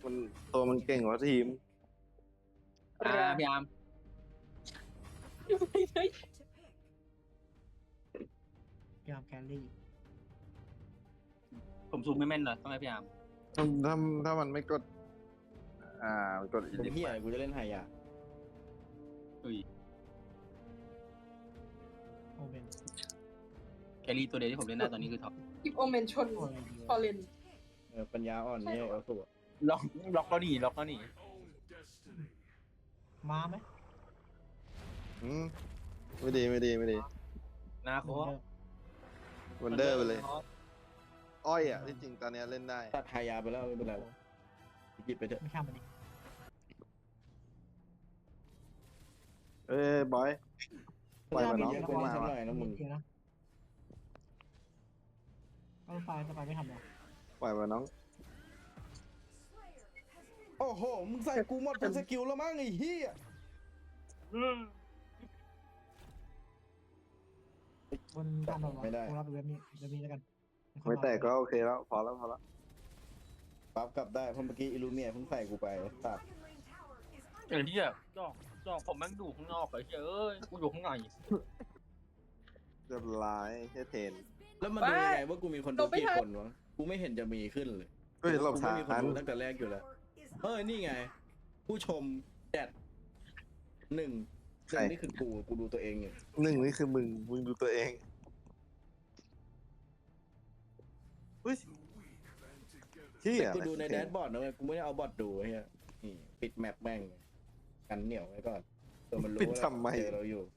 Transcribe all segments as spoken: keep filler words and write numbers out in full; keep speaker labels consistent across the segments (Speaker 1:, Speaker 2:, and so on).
Speaker 1: มันตัวมันเก่งกว่าทีม
Speaker 2: อ่าพี่อาร์ม
Speaker 3: พยายามแครี่
Speaker 2: ผมซูมไม่แม่นเหรอต้องให้พี่อาร์ม
Speaker 1: ถ้าถ้าถ้ามันไม่กด อ่ามันกดอี
Speaker 4: เป็น
Speaker 1: ลิฟ
Speaker 4: เฮียกูจะเล่นไฮยา
Speaker 2: เฮ้ย
Speaker 3: โอเมน
Speaker 2: แครี่ตัวเดียวที่ผมเล่นได้ตอนนี้คือท็อป
Speaker 5: กิฟโอเมนชน
Speaker 3: โอ้อะไรดี
Speaker 5: ฟอ
Speaker 3: วะ
Speaker 5: ร์เรน
Speaker 4: เออปัญญาอ่อนเนี่ยเอาตัว
Speaker 2: ล็อกล็อกแล้วหนีล็อกแล้วหนี
Speaker 3: มาไหม
Speaker 1: อืมไม่ดีไม่ดีไม่ดี
Speaker 2: นาโค
Speaker 1: วันเดอร์ไปเลย อ้อยอ่ะที่จริงตอนเนี้ยเล่นได้
Speaker 4: ตัดไฮยาไปแล้วไม่เป็นไรหรอกหยิบไปเถอะ
Speaker 3: ไม่ข้ามมันดิ
Speaker 1: เอ้ยบอย ปล่อยมันน้อง
Speaker 4: กูมาสักหน่อยนะมึง
Speaker 3: เดี๋ยวนะเอาไฟสไปไม่ทำหรอ
Speaker 1: ปล่อยมาน้อง
Speaker 4: โอ้โหมึงใส่กูหมดเป็นสกิลแล้วมั้งไอ้เฮีย
Speaker 3: บนทำหรอกูรับเว็บนี้เว็บนี้แล้วกัน
Speaker 1: ไม่แตกก็โอเคแล้วพอแล้วพอแล้ว
Speaker 4: ปั๊บกลับได้เพราะเมื่อกี้อิลูเมียเพิ่งใส่กูไปตัด
Speaker 2: เอ้ยที่แบบจอกจอกผมแม่งดูข้างนอกเลยเอ้ยกูอยู่ข้างใน
Speaker 1: เรียบร้อยแค่เทน
Speaker 4: แล้วมันดูยังไงว่ากูมีคนดูกี่คนวะกูไม่เห็นจะมีขึ้นเลย
Speaker 1: เฮ้ยหลบ
Speaker 4: กู
Speaker 1: ทา
Speaker 4: ไม่
Speaker 1: ง
Speaker 4: มีคนดูตั้งแต่แรกอยู่แล้วเออนี่ไง ผู้ชมแดดหนึ่งหนึ่งนี่คือกูกูดูตัวเองอยู่
Speaker 1: หนึ่งนี่คือมึงมึงดูตัวเองเฮ้ยที่
Speaker 4: แต่
Speaker 1: อ่ะ
Speaker 4: กูดูในแดชบอร์ดนะเว้ยกูไม่ได้เอาบอร์ดดูไอ้เฮียนี่ปิดแมปแม่งกันเหนียวไว้ก่อนเดี๋ยวมันรู้
Speaker 1: ปิด
Speaker 4: ว่า
Speaker 1: ทำไม
Speaker 4: เจอเราอยู่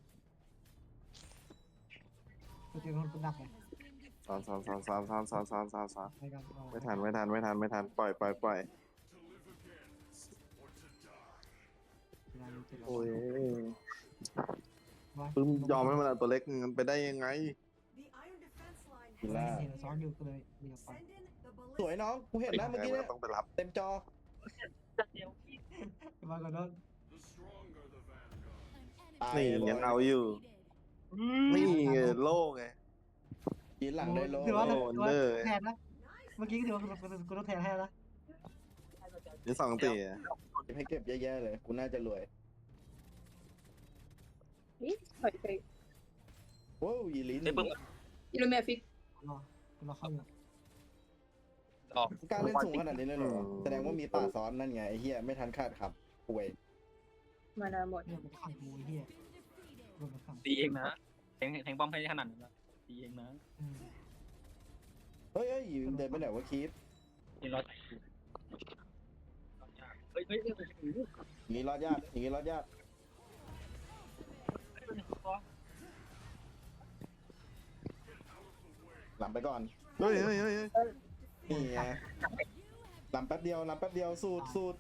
Speaker 3: กูเจอคนเป็นหนักไง
Speaker 1: สอนสอนสอนสอนสอนสอนสอนสอนสอน
Speaker 3: ไม่กัน
Speaker 1: ไม่ทันไม่ทันไม่ทันไม่ทันปล่อยปล่อยปล่อยโอ้ยปึ้มยอมให้มันเอาตัวเล็กมันไปได้ยังไง
Speaker 4: กีฬา
Speaker 3: เห็นซ้อนอยู่ก็เลยเดี๋ยวไป
Speaker 4: สวยน้องกูเห็นนะเมื่อกี้
Speaker 1: มั
Speaker 4: เนี่ย
Speaker 1: นต้องไปรับ
Speaker 4: เต็มจอ
Speaker 3: มาก่อนนั้น
Speaker 4: ตาย
Speaker 1: นี่
Speaker 4: เลย
Speaker 1: ยังเอาอยู่ นี่ไงโล่ไง
Speaker 4: ยีหลังได้โล
Speaker 3: ถือว่า
Speaker 1: โอ้
Speaker 3: ถือว่า
Speaker 1: เนอร์
Speaker 3: แทนนะเมื่อกี้ก็ถือว่ากูต้องแทนให้นะ
Speaker 1: นี่สองตีอะ
Speaker 4: ให้เก็บแย่ๆเลยกูน่าจะรวย
Speaker 5: นี่ถอยไป
Speaker 4: โว้วยีลิน
Speaker 2: เดี๋ยวเพิ่ง
Speaker 5: อิลูเมียฟิก
Speaker 3: รอกูรอเข้าอยู่
Speaker 2: ออก
Speaker 4: กล้ารเล่นสูงขนาดนี้เลยเหรอแสดงว่ามีป่าซ้อนนั่นไงไอ้เหี้ยไม่ทันคาดขับป่วย
Speaker 5: มานาหมด
Speaker 3: เนี่ยมันขังกูไอ้เหี้ยโดนมันขัง
Speaker 2: ตีเองนะแทงแทงป้อมให้ขนาดนั้นนะตีเองนะ
Speaker 3: อืม
Speaker 4: เฮ้ยเฮ้ยเดินไปไหนวะคีฟ
Speaker 2: นี่รอดเฮ้ยเฮ้ยเฮ้ย
Speaker 4: อย่างงี้รอดยากอย่างงี้รอดยากหลับไปก่อน
Speaker 1: เฮ้ยเฮ้ยเฮ้ยเฮ้ย
Speaker 4: นี่ไงหลับแป๊บเดียวหลับแป๊บเดียวสูดสูด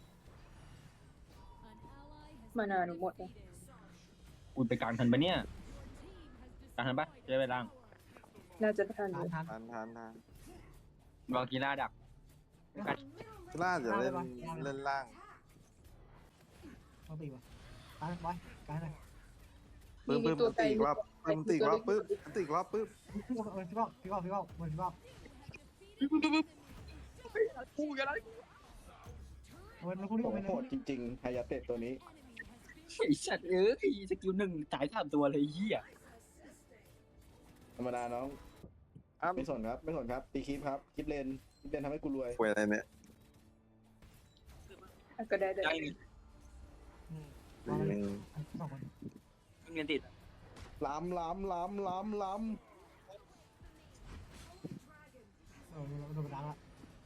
Speaker 5: มานาหนูหมดเลย
Speaker 2: กูไปกลางทันปะเนี่ยกลางทันปะจะได้ไปล่าง
Speaker 5: น่าจะทันอ
Speaker 3: ทาน
Speaker 5: ยู่
Speaker 3: ทาน
Speaker 1: ทานทานทาน
Speaker 2: รอกีฬาดัก
Speaker 1: ล่าจะเล่นเล่นล่าง
Speaker 3: ต้องตีวะตายไปตายเลย
Speaker 1: ปึ้มปึ้มตีอีกรอบปึ้มตีอีกรอบปึ้มตีอีกรอบปึ้ม
Speaker 3: พี่บอกพี่บอกพี่บอกพี่บอกพี่บอก
Speaker 2: กูกันแล้ว
Speaker 3: มันมันคู่นี้
Speaker 4: โห
Speaker 3: มัน
Speaker 4: โหดจริงๆฮายาเตะตัวนี้
Speaker 2: ไอ้สัตว์เอ้ยสกิลหนึ่งจ่ายสามตัวเลยเหี้ย
Speaker 4: ธรรมดาน้อง
Speaker 1: อ้าว
Speaker 4: ไม่สนครับไม่สนครับตีคลิปครับคลิปเลนคลิปเลนทำให้กูรวย
Speaker 1: ป่วยอะไรเนี่ย
Speaker 5: ก็ได้ได้
Speaker 2: ใจ
Speaker 3: อืม
Speaker 1: อืม
Speaker 3: สองคน
Speaker 2: เงินติด
Speaker 4: ล้ำล้ำล้ำล้ำล้
Speaker 3: เออโดนดังละ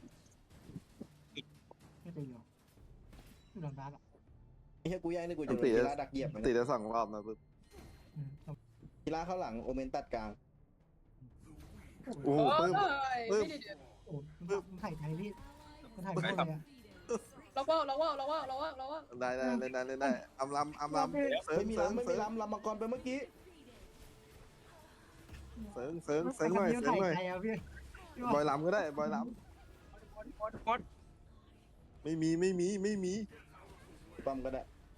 Speaker 3: ไม่ตีหรอโดนดังละ
Speaker 4: ำไอ้เหี้ยกูแย่งนี่กูจะโดน
Speaker 1: ตี
Speaker 4: กีฬาดักเหยียบเหมือน
Speaker 1: ตี
Speaker 4: กัน
Speaker 1: ได้สองรอบนะปึ๊บ
Speaker 3: อืม
Speaker 4: กีฬาเข้าหลังโอเมนตัดกลาง
Speaker 1: โอ้
Speaker 5: โอ้
Speaker 1: ปึ๊บ
Speaker 5: ยไม่ได้เดือด
Speaker 3: โอ้มันถ่ายไทยพี่มันถ่ายโคตรเลยอะ
Speaker 5: เราว่าเราว่าเราว่าเราว่าเราว่า
Speaker 1: ได้ได้เล่นได้เล่นได้อำลำอำลำเสริ
Speaker 4: ไม่
Speaker 1: ง
Speaker 4: มี
Speaker 1: เสริง
Speaker 4: ล้ำไม่
Speaker 1: เสริ
Speaker 4: มี
Speaker 1: ง
Speaker 4: ล้ำล้ำมังกรไปเมื่อกี้
Speaker 1: เสริงเสริงเสริงหน่อยเสริงหน่อย
Speaker 3: ถ่ายไทยอะพี่
Speaker 1: บอยลำก็ได้บอยล
Speaker 2: กดกด
Speaker 1: ำไม่มีไม่มีไม่มี
Speaker 4: ปั๊มก็ได้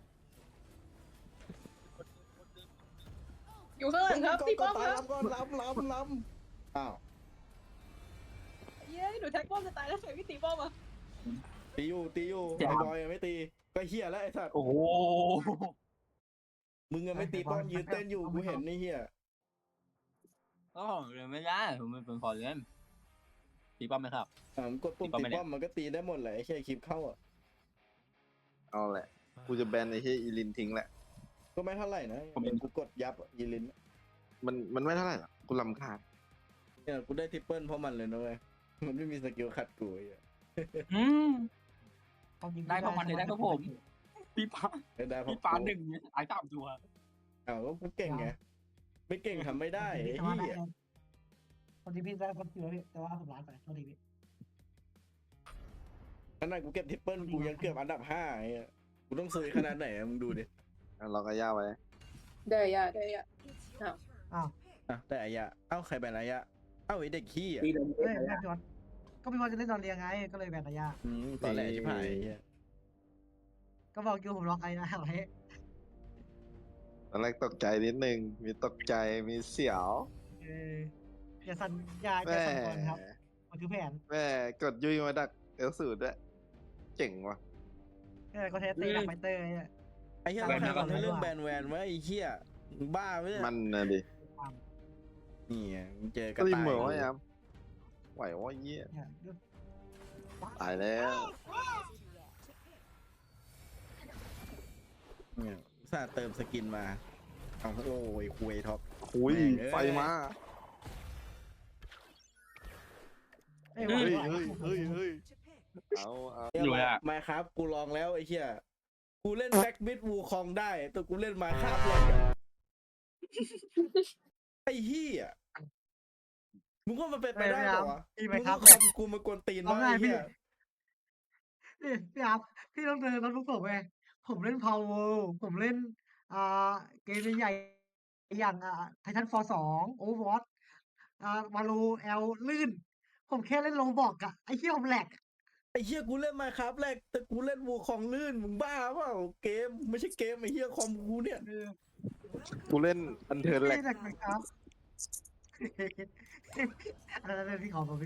Speaker 5: อยู่ข้างหลังครับพี่ป้อม
Speaker 4: ตา
Speaker 5: ค
Speaker 4: ย
Speaker 5: รับ
Speaker 4: ล้ำก่อนล้ำล้ำล้ำอ้าว
Speaker 5: เย้หนูแท็กป้อมจะตายแล้วใส่พี่ตีป้อมอ่ะ
Speaker 4: ตีตีอยู่ตีอยู่
Speaker 2: เจ็บ
Speaker 4: ไอ้บอยยังไม่ตีก็เฮียแล้วไอ้สัตว์
Speaker 2: โอ้โห
Speaker 4: มึงยังไม่ตีป้อมยืนเต้นอยู่กูเห็นไอ้เฮีย
Speaker 2: ก็ของเล่นไม่ได้ผมเป็นพอเล่นตีป้อมไหมครับ
Speaker 4: อ่ากดปุ่ม
Speaker 2: ตีป้อม
Speaker 4: ตี
Speaker 2: ไม่ได้
Speaker 4: ป้อมมันก็ตีได้หมดแหละไอ้แค่คลิปเข้าอ่ะ
Speaker 1: เอาแหละกูจะแบนไอ้เฮียอีลินทิ้งแหละ
Speaker 4: ก็ไม่เท่าไหร่นะ
Speaker 2: ผมเห็น
Speaker 4: กูกดยับอะยีลิน
Speaker 1: มันมันไม่เท่าไหร่หรอกกูรำคาญ
Speaker 4: เนี่ยกูได้ทริปเปิลเพราะมันเลยนะเว้ยมันไม่มีสกิลขัดกูไอ้เหี้ย
Speaker 2: อืม
Speaker 3: ความจริง
Speaker 2: ได้เพราะมันเลยได้เพราะผม พี่ปา
Speaker 4: ไม่ได้เพราะ
Speaker 2: พี่ปาหนึ่งเนี่ยตายสามตัว
Speaker 4: อ้าวก็กูเก่งไงไม่เก่งทำไม่ได้ไอ้
Speaker 3: ความจริง
Speaker 4: เหี้ย
Speaker 3: ความจริงพี่ได้ความจริงพี่แต่ว่าผมร้านไปโทษทีพี่
Speaker 4: ขนาดกูเก็บทริปเปิลกูยังเกือบอันดับห้าไอ้เหี้ยกูต้องซื้อขนาดไหนอะมึงดูดิ
Speaker 1: เอาเราก็ย่าไว้
Speaker 5: ได้ยะได้ยะ
Speaker 3: อ้าว
Speaker 4: อ่ะแต่อายะเอ้าใครแบนอายะเอ้าไอ้เด็กขี้อ่ะ
Speaker 3: เฮ้ยแม่พี่วันก็พี่วันจะเล่นนอนเรียงไงก็เลยแบนระยะ
Speaker 4: อืมตอนแรกชิบหายไอ้เหี้ย
Speaker 3: ก็บอกอยู่ผมล็อกไอ้นะไว้
Speaker 1: ตอนแรกตกใจนิดนึงมีตกใจมีเสียว
Speaker 3: เอออย่าสั่นอย่าอ
Speaker 1: แม่
Speaker 3: ย่าสั่นก่อนครับมันคือแผน
Speaker 1: แม่กดยุยมาดักเอลสูดด้วยเจ๋งว่ะ
Speaker 3: เออก็เทสตีกับไฟเตอร์เนี่ย
Speaker 4: ไอ้เหี้ยเราใครบอกให้เรื่องแบนแวนวะไอ้เหี้ยมึงบ้าไหมเนี่ย
Speaker 1: มันนะดิ
Speaker 4: นี่ไงมึงเจอก
Speaker 1: ก็
Speaker 4: ระ
Speaker 1: รี
Speaker 4: ต่าย
Speaker 1: เหมือว่ายามไหวว่าเยี่ย
Speaker 3: เนี่ยดู
Speaker 1: ตายแล้ว
Speaker 4: เนี่ยอุตส่าห์เติมสกินมาเอาโอ้ยคุยท็อป
Speaker 1: หุย
Speaker 4: แม่งเอ้ย
Speaker 1: ไฟมา
Speaker 3: เอ้ย
Speaker 1: เฮ้ย
Speaker 3: ไหว
Speaker 1: เฮ้ย
Speaker 3: ไหว
Speaker 1: เฮ้ยเฮ้ยเอาเอา
Speaker 2: อยู่เลยอะ
Speaker 4: มาครับกูลองแล้วไอ้เหี้ยกูเล่นแบ็กมิดวูคองได้แต่กูเล่นมาคาบแรกอะไอ้เหี้ยมึงว่ามันเป็นไปได้เหรอวะ
Speaker 3: พี่ไหม
Speaker 4: มึง
Speaker 3: ครั
Speaker 4: ก็
Speaker 3: บ
Speaker 4: คอมกูมากวนตีน
Speaker 3: เอา
Speaker 4: วะ
Speaker 3: ง่าย
Speaker 4: ไอ้
Speaker 3: พี่
Speaker 4: เหี้ย
Speaker 3: นี่พี่ครับพี่ต้องเดินรถลูกผมไงผมเล่น Power ผมเล่นอ่าเกมใหญ่ๆอย่างอ่าไททันฟอร์สองโอเวอร์วอตอ่าวาโลแอลลื่น ผมแค่เล่นโลบอกอะไอ้เหี้ยผมแหลก
Speaker 4: ไอ้เหี้ยกูเล่นมาครับแรกแต่กูเล่นวูคองลื่นมึงบ้าเปล่าเกมไม่ใช่เกมไอ้เหี้ยคอมกูเนี่ย
Speaker 3: เออ
Speaker 1: กูเล่นอันเทิร์นแหล
Speaker 3: ไม่
Speaker 1: ก
Speaker 3: แหลกไหมครับ อันนั้นเป็นที่ของผมพี่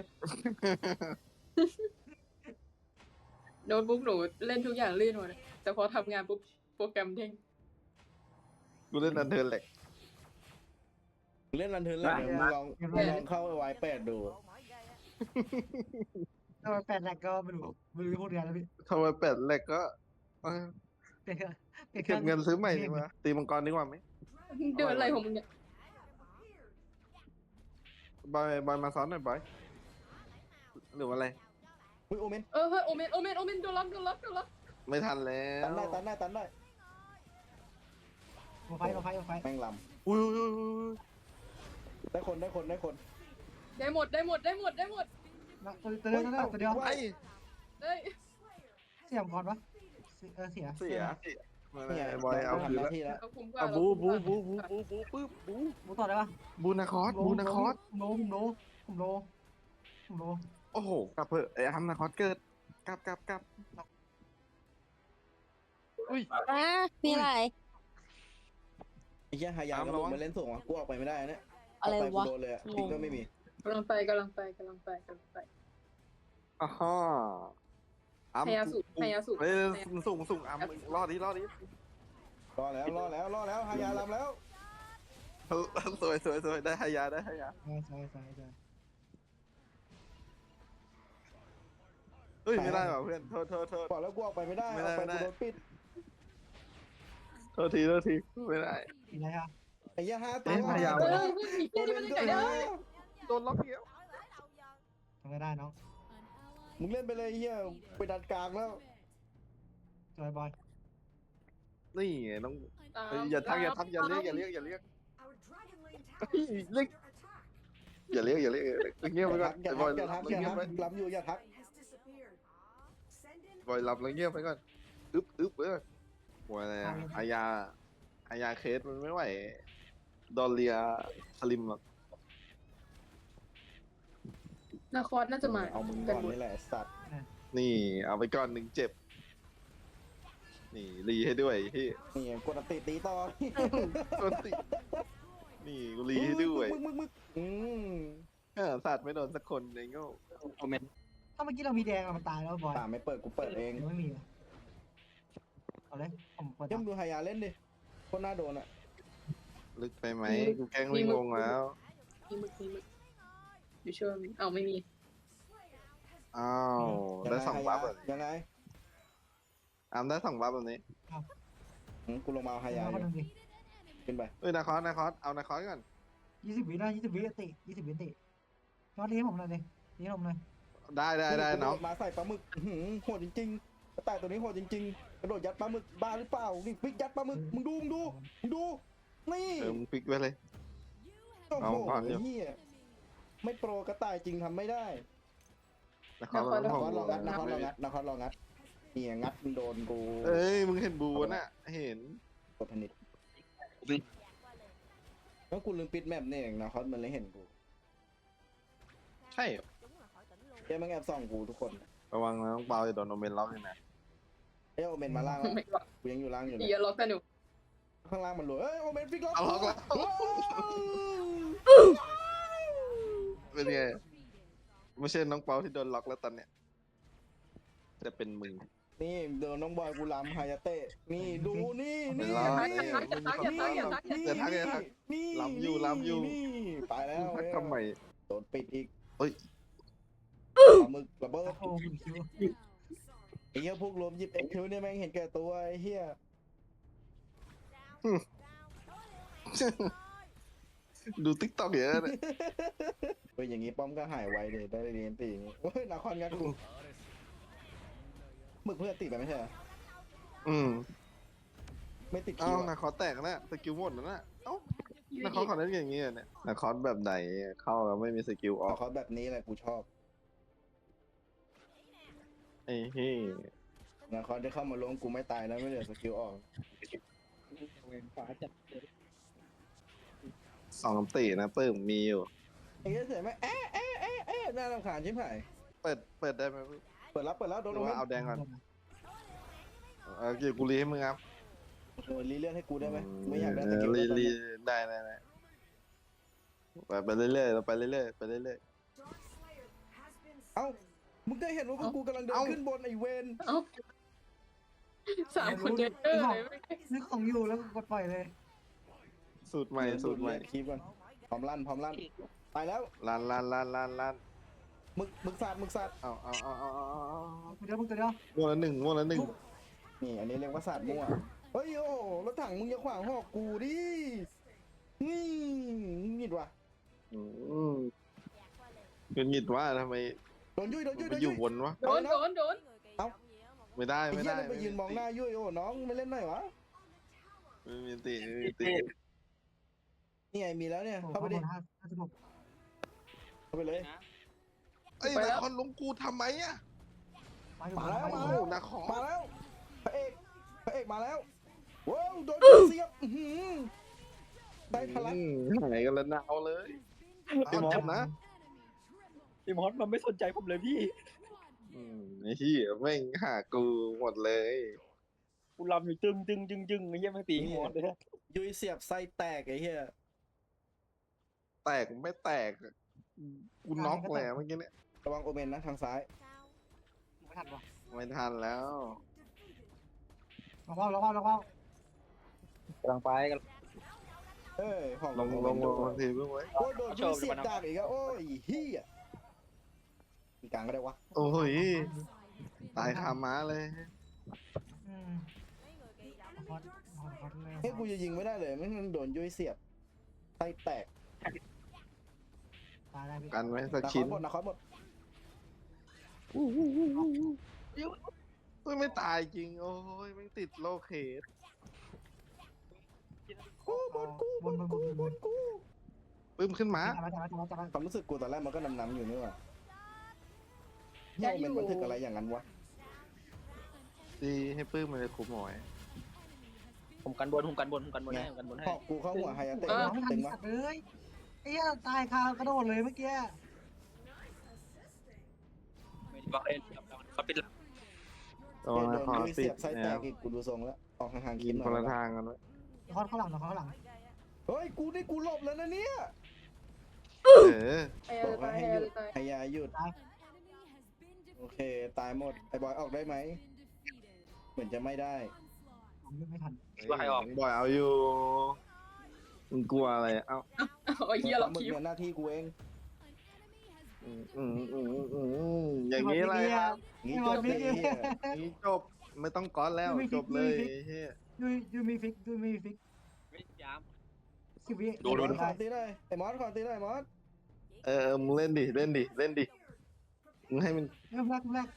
Speaker 5: โน้ตบุ๊กหนูเล่นทุกอย่างลื่นหมดเลยแต่พอทำงานปุ๊บโปรแกรมเด้ง
Speaker 1: กูเล่นอันเทิร์นแหลก
Speaker 4: เล่นรันเทิร์นแรกเดี๋ยวมึงลองมึงลองเข้าวายแปดดู
Speaker 3: ถ้ามันแปดแหลกก็ไม่รู้ไม่รู้จะพูดยังไงแล้วพี่
Speaker 1: ทำไมแปดแหลกก็เอ้ย
Speaker 3: เปลี่ยนเครื่องเปลี่ยนเค
Speaker 1: เก็
Speaker 3: รื่
Speaker 1: บเงินซื้อใหม่ดีกว่าตีมังกรดีกว่าไหม
Speaker 5: เดือนอะไรของมึงเนี่ย
Speaker 1: บอยบอยมาซ้อนหน่อยบอยหรือว่าอะไร
Speaker 4: อุ้ยโอเมน
Speaker 5: เออเฮ้ยโอเมนโอเมนโอเมนโดนล็อกโดนล็อกโดนล็อก
Speaker 1: ไม่ทันแล้
Speaker 4: ตัน
Speaker 1: ว
Speaker 4: ได้ตันได้ตันได้
Speaker 3: มาไฟมาไฟมาไฟ
Speaker 4: แม่งล
Speaker 1: อุ้ยอุ้ยอุ้ยอุ้ย
Speaker 4: ำได้คนได้คนได้คน
Speaker 5: ได้หมดได้หมดได้หมดได้หมด
Speaker 3: นะตัวตัวเดียวตัวเดียวตัวเดียว
Speaker 1: ไอ้
Speaker 5: ได้
Speaker 3: เสียงก่อนปะเออเสีย
Speaker 1: เสียเสียมา
Speaker 4: นี่ไง
Speaker 1: เลยบอยเอา
Speaker 4: ทำ
Speaker 1: คื
Speaker 4: ห
Speaker 1: น
Speaker 4: น้า
Speaker 1: แล้ว
Speaker 4: ที่แล้ว
Speaker 5: เอาคุ้มกว่า
Speaker 1: อ่ะ
Speaker 5: เรา
Speaker 1: บู
Speaker 5: คุ้ม
Speaker 1: บู
Speaker 5: กว่า
Speaker 1: บูบูบูบูบู
Speaker 3: บูต่อได้ปะ
Speaker 1: บูนาคอสบูนาคอส
Speaker 3: ผมโลผมโลผมโลผมโล
Speaker 1: โอ้โหกลับเถอะไอ้ฮัมนาคอสเกิดกลับกลับกลับอุ้ย
Speaker 6: อ่ะมีอะไร
Speaker 4: ไอ้เหี้ยหายา
Speaker 1: ตาม
Speaker 4: กระ
Speaker 1: ระ
Speaker 4: โด
Speaker 1: วั
Speaker 4: ด
Speaker 1: ง
Speaker 4: มาเล่นส่งอ่ะกูออกไปไม่ได้นะเนี่ย
Speaker 6: อะไร
Speaker 4: ออกไป
Speaker 6: วะ
Speaker 4: กูโดนเลยอะ
Speaker 6: งง
Speaker 4: ทิ้งก็ไม่มี
Speaker 5: กำลังไปกำลังไปกำลังไปกำลังไป
Speaker 1: อ่าฮะอัม
Speaker 5: พยาสุพยาสุ
Speaker 1: เฮ้ยสุ่งสุ่งอัมรอดดิรอดดิ
Speaker 4: รอแล้วรอแล้วรอแล้วหายาลำแล้ว
Speaker 1: สวยสวยสวยได้ฮายาได้ฮายา
Speaker 3: ใช่ใช่ใช่ใช่
Speaker 1: เฮ้ยไม่ได้ว่ะเพื่อนโทษโทษโทษ
Speaker 4: บอกแล้วกูออกไปไม่ได้
Speaker 1: ไม่
Speaker 4: อ
Speaker 1: ได้
Speaker 4: อกไป
Speaker 1: ไม่ได้
Speaker 4: กูโดนปิด
Speaker 1: โทษทีโทษทีไม่ได้
Speaker 3: อีกอะไรครับ
Speaker 4: ไอ้เหี้ยห้าตั
Speaker 1: เอ้
Speaker 4: วย
Speaker 1: พยายาม
Speaker 5: เอออีกทีนี่มันจะไก่ได้
Speaker 1: โดนล็อกเดียว
Speaker 3: ทำไม่ได้น้อง
Speaker 4: มึงเล่นไปเลยไอ้เหี้ยไปดันกลางแล้ว
Speaker 3: จอยบอย
Speaker 1: นี่ไงน้อง
Speaker 5: ตาม
Speaker 1: เฮ้ยอย่าทักอย่าทักอย่าเรียกอย่าเรียกอย่าเรียกเฮ้ยเรียกอย่าเรียกอย่าเรียกเงียบไปก่อน
Speaker 4: อย่า
Speaker 1: ไอ้บ
Speaker 4: ทั
Speaker 1: อก ย
Speaker 4: อย่าทักอย่า
Speaker 1: เงีย
Speaker 4: ทั
Speaker 1: บ
Speaker 4: ก
Speaker 1: ไป
Speaker 4: ล้ำอยู่อย่าทัก
Speaker 1: บอยหลับแล้วเงียบไปก่อนอึ๊บอึ๊บเออหัวอะไรอะอายาอายาเคสมันไม่ไหวดอลเลียสลิมหรอก
Speaker 5: นาคอสน่าจะมา
Speaker 4: เอามึง
Speaker 5: กั
Speaker 4: ก่
Speaker 5: น
Speaker 4: อน
Speaker 5: หมด
Speaker 4: นี่แหละไอ้สัตว์
Speaker 1: นี่เอาไปก่อนหนึ่งเจ็บนี่รีให้ด้วยที่
Speaker 4: นี่กดอันติตีต่อ
Speaker 1: โดนตินี่กูรีให้ด้วย
Speaker 4: มึกมึกมึกอืม
Speaker 1: เออสัตว์ไม่โดนสักคนไอ้โง่
Speaker 2: โอเมน
Speaker 3: ทถ้าเมื่อกี้เรามีแดงอะมันตายแล้วบอย
Speaker 4: ตามไม่เปิดกูเปิดเอง
Speaker 3: ยังไม่มีอะเอาเลยผมเปิด
Speaker 4: เยี่ยมดูฮายาเล่นดิโคตรน่าโดนอ่ะ
Speaker 1: ลึกไปไหมกูแกล้งวิ่งลงแล้ว
Speaker 5: มีมึกมีมึกอยู่ช่วงเอาไม่มี
Speaker 1: อ้าวได้สองบัฟแบบนี้
Speaker 4: ยังไง
Speaker 1: อามได้สองบัฟแบบนี้
Speaker 4: อืมกูลงมาเอาฮา
Speaker 3: เดี๋ย
Speaker 4: ยาว
Speaker 3: คนหนึ่งดิ
Speaker 4: ขึ้นไป
Speaker 1: เอ้ยนาคอสนาคอสเอานาคอสก่อน
Speaker 3: ยี่สิบวินะยี่สิบวิติยี่สิบวิติยอดนี้ให้ผมหน่อยดินี่ผมหน่อย
Speaker 1: ได้ได้ได้
Speaker 4: กูกระโ
Speaker 1: น้อง
Speaker 4: มาใส่ปลาหมึกอื้อหือโหดจริงๆกระต่ายตัวนี้โหดจริงๆกระโดดยัดปลาหมึกบ้าหรือเปล่านี่ฟิกยัดปลาหมึกมึงดูมึงดูมึงดูนี่
Speaker 1: เออมึงฟิกไว้เลย
Speaker 4: โอ้
Speaker 1: เอา
Speaker 4: โห
Speaker 1: ก่อนเดี๋ยว
Speaker 4: เฮียไม่โปรกระต่ายจริงทำไม่ได้
Speaker 1: นาคอสมัน
Speaker 4: น
Speaker 1: ต้
Speaker 4: ค
Speaker 1: อง
Speaker 4: ร
Speaker 1: ผ
Speaker 4: ล
Speaker 1: ม
Speaker 4: องงัดนครลองงัดนครลองงัดเนี่ยงัดมึงโดนกู
Speaker 1: เอ้ยมึงเห็นบูน่ะเห็น
Speaker 4: กดพนิดแล้วกูลืมปิดแมปนี่เองนครมันเลยเห็นกู
Speaker 1: ใช่เหรอ
Speaker 4: เอ้ยมันแอบส่องกูทุกคน
Speaker 1: ระวังนะน้องเปาจะโดนโอเมนล็อกเลยนะ
Speaker 4: เอ้ยโอเมนมาล่างแล้ว
Speaker 5: ไม่ว่า
Speaker 4: กูยังอยู่ล่างอยู่เล
Speaker 5: อี
Speaker 4: ย
Speaker 5: อย่าล็อกกันหนู
Speaker 4: ข้างล่างมันหลุดเอ้ยโอเมนฟิกล็อก
Speaker 1: เอาล็อกแล้ว
Speaker 4: ว้าว
Speaker 1: เป็นไงไม่ใช่น้องเปาที่โดนล็อกแล้วตอนเนี้ยจะเป็นมึง
Speaker 4: นี่เดินน้องบอยกูลำฮายาเตะนี่ดูนี่
Speaker 1: ไม่
Speaker 4: นี่
Speaker 1: รอด
Speaker 4: นี่
Speaker 1: ไม่มีความ
Speaker 5: อย่าทักอย่าทักอย่าทัก
Speaker 1: อย่าทักอย่าทัก
Speaker 4: นี่
Speaker 1: ล้ำอยู่ล้ำอยู่
Speaker 4: นี่ไปแล้ว
Speaker 1: ทักทำไม
Speaker 4: โดนปิดอีก
Speaker 1: เฮ้ย
Speaker 4: ปลาหมึกระเบิด
Speaker 3: โอ้โหคิว
Speaker 4: ไอ้เหี้ยพวกรวมยิบเอ็กคิวเนี่ยแม่งเห็นแก่ตัวไอ้เหี้ย
Speaker 1: ดูติ๊กต็อกเยอะเลย
Speaker 4: เฮ้ยอย่างงี้ป้อมก็หายไวเลยได้เรียนตีอย่างงี้โอ้ยนาคอนงัดกูหมึกเพื่อนติดไปไม่ใช่เหรอ
Speaker 1: อืม
Speaker 4: ไม่ติด
Speaker 1: เอ้า
Speaker 4: คิว
Speaker 1: นา
Speaker 4: อะ
Speaker 1: คอสแตกแล้วสกิลหมดแล้วนะเอ้านาคอสเขาเล่นอย่างงี้อะเนี่ยนาคอสแบบไหนเข้าแล้วไม่มีสกิลออ
Speaker 4: นาก คอนแบบนี้แหละกูชอบ
Speaker 1: ไอ้เฮ้ย
Speaker 4: นาคอนที่เข้ามาลงกูไม่ตายแล้วไม่เหลือสกิลออก
Speaker 1: สองตีนะเปิ่มมีอยู่
Speaker 4: ไอ้เหี้ยเสียไหมเอ๊ะเอ๊ะเอ๊ะเอ๊ะน่ารำคาญชิบหาย
Speaker 1: เปิดเปิดได้ไหม
Speaker 4: เปิดรับเปิดแล้วโดน
Speaker 1: หรื
Speaker 4: โอ
Speaker 1: อ
Speaker 4: เม
Speaker 1: ว่าน เอาแดงก่อนเออเกี่ยวกูรีให้มึงครับ
Speaker 4: เออรีเลื่อนให้กูได้ไหมไม่อยากได้ส
Speaker 1: เอ
Speaker 4: กิ
Speaker 1: อ
Speaker 4: ล
Speaker 1: รี
Speaker 4: แล้วตอน
Speaker 1: รี
Speaker 4: นี้
Speaker 1: ได้ได้ได้ไปไปเรื่อยๆเราไปเรื่อยๆไปเรื่อย
Speaker 4: เอ้ามึงได้เห็นว่าพวกกูกำลังเดิน
Speaker 1: เอ้า
Speaker 4: ขึ้นบนไอ้เวน
Speaker 5: เอ้าสามคนเดินเตอร์เลยไม่ได้
Speaker 3: นึกของอยู่แล้วกดปล่อยเลย
Speaker 1: ๆสูตรใหม่สูตรใหม่
Speaker 4: คลิปก่อนพร้อมลั่นพร้อมลั่นไปแล้ว
Speaker 1: ลานลานลานลานลาน
Speaker 4: มึกมึกสัตว์มึกสัตว์
Speaker 1: เอาเอาเอาเอาเอาเอา
Speaker 3: เดี๋ยวมึงตัวเดียว
Speaker 1: ม้วนละหนึ่งม้วนละหนึ่ง
Speaker 4: นี่อันนี้เรียกว่าสัตว์มั่วเฮ้ยโอ้รถถังมึงอย่าขวางหอกกูดินี่งิดว่ะ
Speaker 1: อืมเป็นหงิดว่าทำไม
Speaker 4: โดนยุ่ยโดนยุ่ย
Speaker 1: ไป
Speaker 4: โดน
Speaker 1: อยู่
Speaker 4: ยุ่ย
Speaker 1: บนวะ
Speaker 5: โดนโดนโดน
Speaker 1: ไม่ได้
Speaker 4: ไอ้
Speaker 1: ไม่
Speaker 4: เหี้ย
Speaker 1: ได้
Speaker 4: นั่นไปยืนมองหน้ายุ่ยโอ้น้องไม่เล่นหน่อยวะ
Speaker 1: ไม่มีตีไม่มีตี
Speaker 4: นี่ไงมีแล้วเนี่ย
Speaker 3: โอ้โห
Speaker 4: เข้าไปดิ
Speaker 3: ห้าห้าสิบหก
Speaker 4: เข้าไปเลย
Speaker 1: เอ้ยนาคอนลงกูทำไมอ่ะ
Speaker 3: ไปอยู่
Speaker 4: มาแล้ว
Speaker 3: ไป
Speaker 4: มา
Speaker 3: อยู่
Speaker 4: แล้ว
Speaker 1: นาคอน
Speaker 4: มาแล้วพระเอกพระเอกมาแล้วว้าวโดนเสียบอื้อหือได้พลัง
Speaker 1: อืมหายกันแล้วหนาวเลยเอาเจ็บนะ
Speaker 2: พี่มอสมันไม่สนใจผมเลยพี่
Speaker 1: อืมไอ้ที่แม่งหากูหมดเลย
Speaker 2: กูรำอยู่จึงจึงจึงจึงไอ้เหี้ยไม่ตีพี่มอสเลยนะ
Speaker 4: ยุยเสียบไส้แตกไอ้เหี้ย
Speaker 1: แตกไม่แตกอะกูน็อกแล้วเมื่อกี้เนี่ย
Speaker 4: ระวังโอเมนนะทางซ้าย
Speaker 3: ไม่ทันวะ
Speaker 1: ไม่ทันแล้ว
Speaker 3: ระวังระวังระวัง
Speaker 2: กำลังไปกัน
Speaker 4: เอ้ยห้อง
Speaker 1: ลงลงลงลงทีเพิ่งไว้
Speaker 4: โอ้ยโดนยุยเสียบดาบอีกแล้วโอ้ยเฮียอีกกลางก็ได้วะ
Speaker 1: โอ้ยตายคาม้าเลย
Speaker 3: อืมคอสคอสคอสเลย
Speaker 4: เฮ้ยกูจะยิงไม่ได้เลยไม่งั้นโดนยุยเสียบไส้แตก
Speaker 3: ตายได้พี่
Speaker 1: กันไว้สัก
Speaker 4: นาคอ
Speaker 1: ชิ้
Speaker 4: ส
Speaker 1: น
Speaker 4: หมดนาคอสหมด
Speaker 1: เฮ้ยไม่ตายจริง โอ้ยไม่ติดโลเคส
Speaker 4: โอ้บนกู
Speaker 3: บบ น
Speaker 4: น
Speaker 3: บนบ
Speaker 4: กู
Speaker 3: นบบ น
Speaker 4: นกู
Speaker 1: ปึ้มขึ้นมา
Speaker 3: จับไว้จับไว้จับไว้จับไว้
Speaker 4: ความรู้สึกกูตอนแรกมันก็นำๆอยู่นี่ว่ะเฮียโอเมนบันทึกอะไรอย่างนั้นวะ
Speaker 1: ดีให้ปึ้มมันเลยคุ้มหน่อย
Speaker 2: ผมกันบนผมกันบนผมกันบนให้ผมกันบนให้
Speaker 4: หอกกูเข้าหัวไฮยาเตะ
Speaker 3: เอาไม่ทัน
Speaker 4: ตึง
Speaker 3: สั
Speaker 4: วะ
Speaker 3: ตว์เลยไอ้เหี้ยตายคากระโดดเลยเมื่อกี้
Speaker 2: ไม่ได้บอกเล่นเขาปิดหลัง
Speaker 1: ตอน
Speaker 4: โด
Speaker 1: นั้น
Speaker 4: น
Speaker 1: ขอ
Speaker 4: ยุย
Speaker 1: ติ
Speaker 4: เสี
Speaker 1: ด
Speaker 4: ยบไส้แต
Speaker 1: เนี่ย
Speaker 4: กอีกกูดูทรงแล้วออกห่างๆ
Speaker 1: กิ
Speaker 4: คิ
Speaker 1: น
Speaker 4: มหน่
Speaker 1: คน
Speaker 4: อ
Speaker 1: ละ
Speaker 4: ย
Speaker 1: ทางกันไว้
Speaker 3: คอสข้างหลังคอสข้างหลัง
Speaker 4: เฮ้ยกูนี่กูหลบแล้วนะเนี่ย
Speaker 1: เออ
Speaker 5: ไอ้
Speaker 4: บ
Speaker 5: อะ
Speaker 4: อก
Speaker 5: ไร
Speaker 4: ว่า
Speaker 5: ตาย
Speaker 4: ให้
Speaker 5: ไอ้
Speaker 4: หยุ
Speaker 5: อะ
Speaker 4: ด
Speaker 5: ไรตาย
Speaker 4: ให้ยาหยุด
Speaker 3: ตาย
Speaker 4: โอเคตายหมดไอ้บอยออกได้ไหมเหมือนจะไม่ได้
Speaker 3: ผมไม่ทัน
Speaker 2: ว่าใครออก
Speaker 1: บ่อยเอาอยู่มึงกลัวอะไรเอ้า
Speaker 5: โอ้ยเฮียเรา
Speaker 4: มึง
Speaker 5: คิว
Speaker 4: เนี่ยหน้าที่กูเอง
Speaker 1: อืมอืมอืมอืมอย่างนี้อะไรครับ
Speaker 4: งี้จบเลยไอ้เหี้ย
Speaker 1: นี่จบไม่ต้องก้อนแล้วจบเลยเฮ้ย
Speaker 3: ดูดูมีฟิกดูมีฟิก
Speaker 2: ไม่ยาม
Speaker 3: สิบวิ
Speaker 4: ไอ้มอสขอตีได้ไอ้มอสขอตีได้มอส
Speaker 1: เออเออมึงเล่นดิเล่นดิเล่นดิมึงให้มัน
Speaker 3: เริ่มแรกเริ่มแรก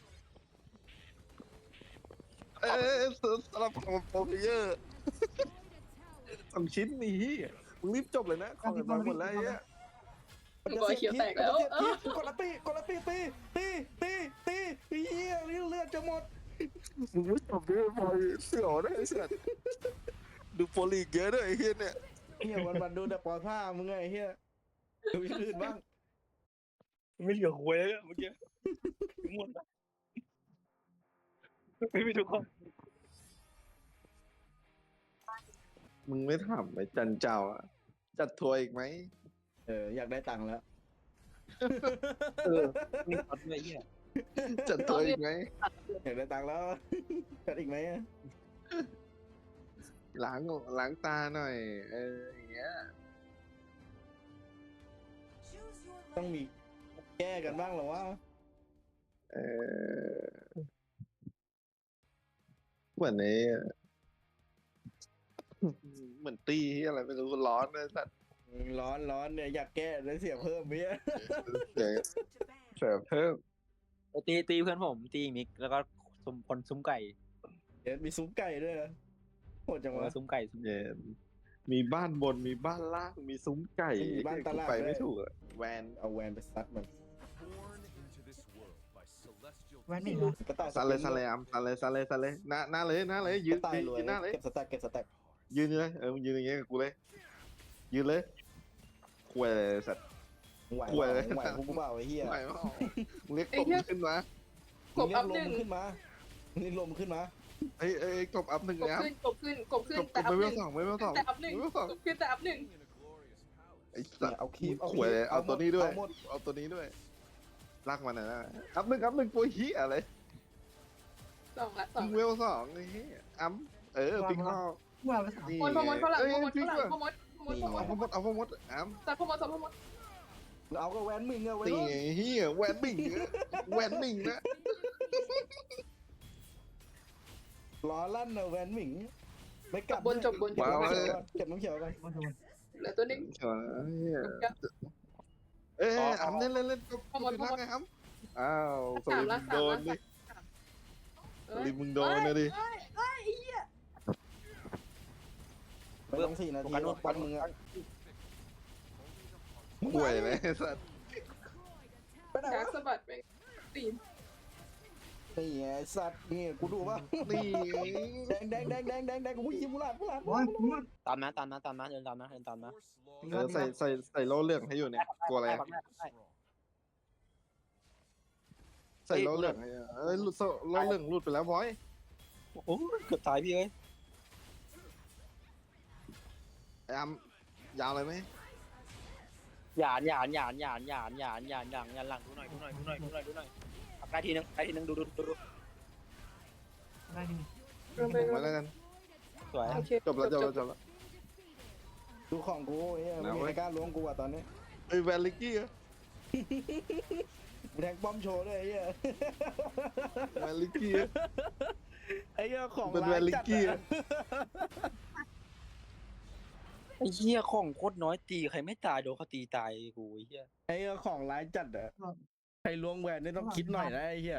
Speaker 1: เออสำหรับโปรเพลเยอร์สองชิ้นนี่มึงรีบจบเลยนะของกันมาหมดแล้วไอ้เหี้ย
Speaker 5: บอยเขียวแตกแล้ว
Speaker 4: เออกดละตีกดละตีตีตีตีตีเหี้ยเลือดจะหมด
Speaker 1: มึงไม่จบด้วยบอยเสือได้ไอ้สัสดูโปรลีกเยอะด้วยไอ้เหี้ยเนี่ย
Speaker 4: เหี้ยวันวันดูแต่ปอท่ามึงไงไอ้เหี้ยดูอย่างอื่นบ้าง
Speaker 2: ไม่เหลือหวยแล้วเมื่อกี้หมดแล้วไม่มีทุกคน
Speaker 1: มึงไม่ถามไอ้จันเจ้าอ่ะจัดทัวร์อีกไหม
Speaker 4: เอออยากได้ตังค์แล้ว
Speaker 2: เออนี่ตอนนี้เหี้ย
Speaker 1: จัดทัวร์อีกไหม
Speaker 4: อยากได้ตังค์แล้วจัดอีกไหมอะ
Speaker 1: ล้างล้างตาหน่อยเอออย่างเงี้ย
Speaker 4: ต้องมีแก้กันบ้างเหรอวะ
Speaker 1: เออเหมือนในเหมือนตีที่อะไรไม่รู้ร้อนเลยสัตว์
Speaker 4: ร้อนร้อนเนี่ยอยากแก้เลยเสียเพิ่มเบี้ย
Speaker 1: เสียเสียเพิ่ม
Speaker 2: ไปตีตีเพื่อนผมตีมิกแล้วก็ซุ้มคนซุ้มไก่
Speaker 4: เดี๋ยวมีซุ้มไก่ด้วยนะโหดจัง
Speaker 2: เอ
Speaker 4: วะ
Speaker 2: อซุ้มไก่ซุ้ม
Speaker 1: เย็นมีบ้านบนมีบ้านล่างมีซุ้มไก่
Speaker 4: มีบ้านตลาด
Speaker 1: ไป
Speaker 4: ด้วย
Speaker 1: ไม่ถูกอะแวน
Speaker 4: เอาแวนไปซัดมัน
Speaker 3: แวนหนึ่งเหรอก
Speaker 4: ระต่าย
Speaker 1: ซันเลยซันเลยอัมซันเลยซันเลยซันเลยหน้าหน้าเลยหน้าเลยยื
Speaker 4: ก
Speaker 1: น
Speaker 4: ระต่ายรวย
Speaker 1: ยืนหน้าเลย
Speaker 4: เก็บสแต็กเก็บสแต็ก
Speaker 1: ยืนเลยเออมึงยืนอย่างเงี้ยกับกูเลย ยืนเลยคุยเลยสัตว์
Speaker 4: ไหว
Speaker 1: กล้วย
Speaker 4: เป
Speaker 1: เล
Speaker 4: ล่าย ไหวพวกกูเปล่าไอ้เหี้ย
Speaker 1: ไม่เอามึงเรียกกบขึ้นมา
Speaker 5: กบอัพ
Speaker 4: ล
Speaker 5: หนึ่ง
Speaker 4: มขึ้นมานี่ลมขึ้นมา
Speaker 1: เอ้ยเอ้ยกบอัพหนึ่ง
Speaker 5: ก
Speaker 1: เลย
Speaker 5: บ
Speaker 1: ครับ
Speaker 5: ขึ้นกบขึ้นกบขึ้น
Speaker 1: กบก
Speaker 5: แต่
Speaker 1: บ
Speaker 5: อั
Speaker 1: ไป
Speaker 5: พห
Speaker 1: เว
Speaker 5: นึ่
Speaker 1: ล
Speaker 5: ง
Speaker 1: สองไปเวลสอง
Speaker 5: แต่อัพหนึ่ง
Speaker 1: ไปเวลสอง
Speaker 5: กบขึ้นแต่อัพหนึ่ง
Speaker 1: ไอ้สัตว์
Speaker 4: เอาคีบเอา
Speaker 1: ขวยเลยเอาตัวนี้ด้วย
Speaker 4: เอาหมด
Speaker 1: เอาตัวนี้ด้วยลากมันหน่อยนะอัพหนึ่งอัพหนึ่งตัวเฮียอะไร
Speaker 5: สองละสอง
Speaker 1: เวลสองไอ้เฮียอัมเออพิกเข้า
Speaker 3: ว่าไปสาม
Speaker 1: นี่
Speaker 5: มดพมดข้างหลัง
Speaker 1: เอ้ย
Speaker 5: พมด
Speaker 1: พิก
Speaker 5: ข้างหลัง
Speaker 1: ว่ะ
Speaker 5: พมดพมดพม
Speaker 1: เอา
Speaker 5: ด
Speaker 1: พมดเอาพมดอัม
Speaker 5: สัตว์พมดสัตว์พมด
Speaker 4: เอากับแวนมึงเอาไว้
Speaker 1: ตีไงเฮียแวนบิงนะแวนบิงนะ
Speaker 4: ล้อลั่นเอาแวนหมิงไม่กลับบ
Speaker 5: นจบบนจ
Speaker 4: เก็บบ น้ำ
Speaker 5: น
Speaker 4: เขียวก่อนเก็บน้ำเขียวก่อน
Speaker 3: ว่าโดน
Speaker 5: เหลือตัวหนึง
Speaker 1: เฉยเฮียเอ้ยอัมเล่นเล่นเล่นกบ
Speaker 5: พมด
Speaker 1: ลากไงอัมอ้าวสลิม
Speaker 5: รัก
Speaker 1: โด
Speaker 5: ษาน รั
Speaker 1: ดิ
Speaker 5: กษา
Speaker 1: สลิมมึงโดนนะดิ
Speaker 4: ไม่ต้องสี่นาทีหรอกปันมึงอะ
Speaker 1: ห่วยเลยไอ้สัตว์
Speaker 4: ไปไหน
Speaker 5: ดาว
Speaker 4: ะ
Speaker 5: ร์กสะบัดไปตีน
Speaker 4: นี่ไงไอ้สัตว์นี่กูดูป่ะ
Speaker 1: นี่
Speaker 4: แดงแดงแดงแดงแดงแดงกูยิงมูลาดมูลาด
Speaker 3: โอ้ยพูด
Speaker 2: ตามนะตามนะตามนะเดินตามนะเดินตามนะ
Speaker 3: ตี
Speaker 1: เอ
Speaker 3: ว่า
Speaker 1: อ
Speaker 3: ตี
Speaker 1: ใส่
Speaker 3: ว่า
Speaker 1: ใส่ใส่โล่เหลืองให้อยู่เนี่ยกลัวอะไรอะใส่โล่เหลืองให้อะเอ้ยหลุดโซ่โล่เหลืองหลุดไปแล้วบอย
Speaker 2: โอ้เกือบตายพี่เอ้ย
Speaker 1: ไอ้อัมยาวเลยไหม
Speaker 2: หยานหยานหยานหยานหยานหยานหยานหยานหยานหลังดูหน่อยดูหน่อยดูหน่อยดูหน่อยดูหน่อยได้ทีนึงได้ทีนึงดูดูดูดู
Speaker 3: ได้ดี
Speaker 5: ลงไปล
Speaker 1: มาง แล้วกัน
Speaker 2: สวย
Speaker 5: โอเค
Speaker 1: จบแล้วจบแล้วจบแล้ว
Speaker 4: ดูของกูไอ้เหี้ยไม่มีใครกล้าล้วงกูอ่ะตอนนี้
Speaker 1: ไอ้ยแวนลิกกี้อะ
Speaker 4: แทงป้อมโชว์ด้วยไอ้เหี้ย
Speaker 1: แวนลิกกี้อะ
Speaker 4: ไอ้เหี้ยของ
Speaker 1: เป็น
Speaker 4: ร้า
Speaker 1: แวย นลิก
Speaker 4: จัด
Speaker 1: กี้
Speaker 4: อะ
Speaker 1: อะ
Speaker 2: ไอ้เหี้ยของโคตรน้อยตีใครไม่ตายโดนเขาตีตายกูไอ้เหี้ย
Speaker 4: ไอ้เหี้ยของร้ายจัดอะใครล้วงแหวนนี่ต้องคิดหน่อยนะไอ้เหี้ย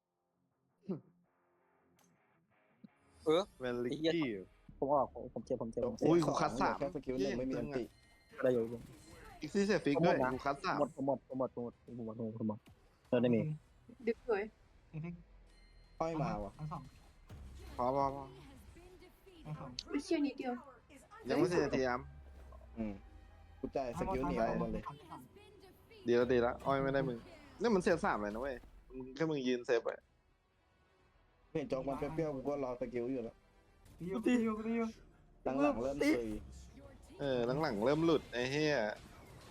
Speaker 1: แวนลิกกี้อะ
Speaker 2: ผมออกผมเจ็บผมเจ็บผมเจ็บ
Speaker 1: อุ้ยกูคัดสาม
Speaker 4: แค่สกิลหนึ่งไม่มีอันติ
Speaker 2: ได้อยู่
Speaker 1: อีกซี่เซฟิกด้วยกูคัดสาม
Speaker 2: หมดหมดหมดหมดหมดหมดหมดหมดเดินได้มี
Speaker 5: ดึกสวย
Speaker 3: เอฟเฟกต์
Speaker 4: ค่อยมาว่ะ
Speaker 3: ทั้งสอง
Speaker 1: พอพอพอ
Speaker 3: ทั้งสอง
Speaker 5: ไม่เชี่ยนิดเดียว
Speaker 1: ยังไม่เสร็จทีอัม
Speaker 4: อืมกูจ่ายสกิลหนีเอาหมดเลย
Speaker 1: ดีแล้วดีแล้วอ้อยไม่ได้มึงนี่มันเซฟสามเลยนะเว้ยมึงแค่มึงยืนเซฟไป
Speaker 4: เห็นจอกมันเปรี้ยวๆกูก็รอสกิลอยู่แล้ว
Speaker 3: ตีอยู่ตีอยู่ตีอยู่
Speaker 4: หลังๆเริ่มซุย
Speaker 1: เออหลังๆเริ่มหลุดไอ้เหี้ย